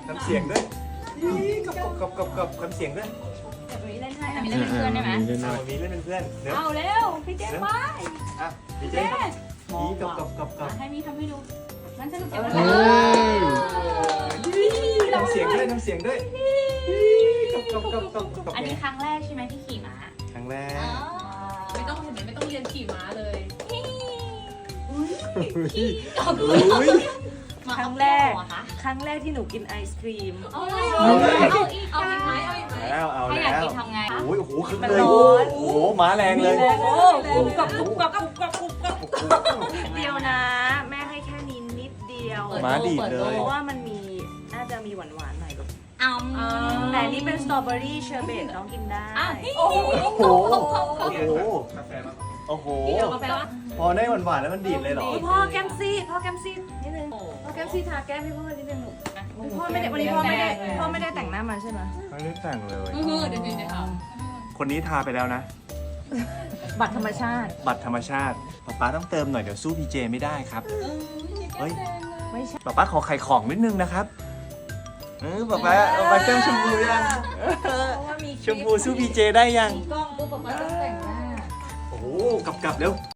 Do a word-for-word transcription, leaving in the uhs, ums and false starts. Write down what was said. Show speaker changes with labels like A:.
A: ทำเสียงด้วยกับกับกับกับทำเสียงด้วย
B: เดี๋ยวมีเล่นให้มีเล่นเป็นเพื่อนได้ไหม
A: เอามีเล่นเป็นเพื่อนเดี๋ยว
B: เอาเร็วพี่เจ๊ไป
A: อ่ะพี่เจมีกับกับกับกับ
B: ให้มีทำให้ดูงั้นสนุกเดี๋ยว
C: เฮ้ย
A: ทำเสียงด้วยทำเสียงด้วยกับกับกับกับกับ
B: อันนี้ครั้งแรกใช่ไหมที่ขี่ม้า
A: ครั้งแรก
D: ไม่ต้องเห็นไหมไม่ต้องเรียนขี่ม้าเลย
E: ครั้งแรก ครั้งแรกที่หนูกินไอศครีม
B: เอาเลยเอาอีก
D: เอาอีกไหมเอาอีกไหม
A: แล้วเอา
B: ถ้า
A: แล้
B: อยาก
A: ว
B: กินทำไง
A: โอ้ยโอ้โหคึก
E: มัน
A: เลย
E: ร้อน
A: โอ้โหม้าแรงเลย
E: โอ้กรุบกรับกรุบกรับกรุบกรับกรุบกรับกรุบกรับเดียวนะ แม่ให้แค่นี้นิดเดียว
A: ม้าดีดเลย
E: เพราะว่ามันมีน่าจะมีหวานหวานๆหน่อยลูก
B: เอา
E: แต่อันนี่เป็นสตรอเบอรี่เชอร์เบตน้องกินได้
A: โอ้โหโอ้โหโอ้โหโอ้โห
D: พี่เดี๋ยวกาแฟว่า
A: พอได้หวานๆแล้วมันดีดเลยเหรอ
E: อุ๊ยพ่อแก้มซี่พ่อแก้มซี่นิดนึงพ่อแก้มซี่ทาแก้มให้พ่อนิดนึงลูกพ่อไม่ได้วันนี้พ่อไม่ได้พ่อไม่ได้แต่งหน้ามาใช่ไหม
A: ไม่ได้แต่งเลย
D: เออเดี๋ยวเดี๋ยวเดี๋ยว
A: คนนี้ทาไปแล้วนะ
E: บัตรธรรมชาติ
A: บัตรธรรมชาติป๊าป๊าต้องเติมหน่อยเดี๋ยวสู้พีเจไม่ได้ครับเฮ้ย
E: ไม่ใช่
A: ป๊าป๊าขอไข่ของนิดนึงนะครับเออป๊าป๊าป๊าป๊าแก้มชมพูยัง
E: เพราะว่ามี
A: ชมพูสู้พีเจได้ยัง
D: กล้องปุ๊บป๊าป๊าจะแต่งหน้า
A: โอ้โหกลับกลับเร็ว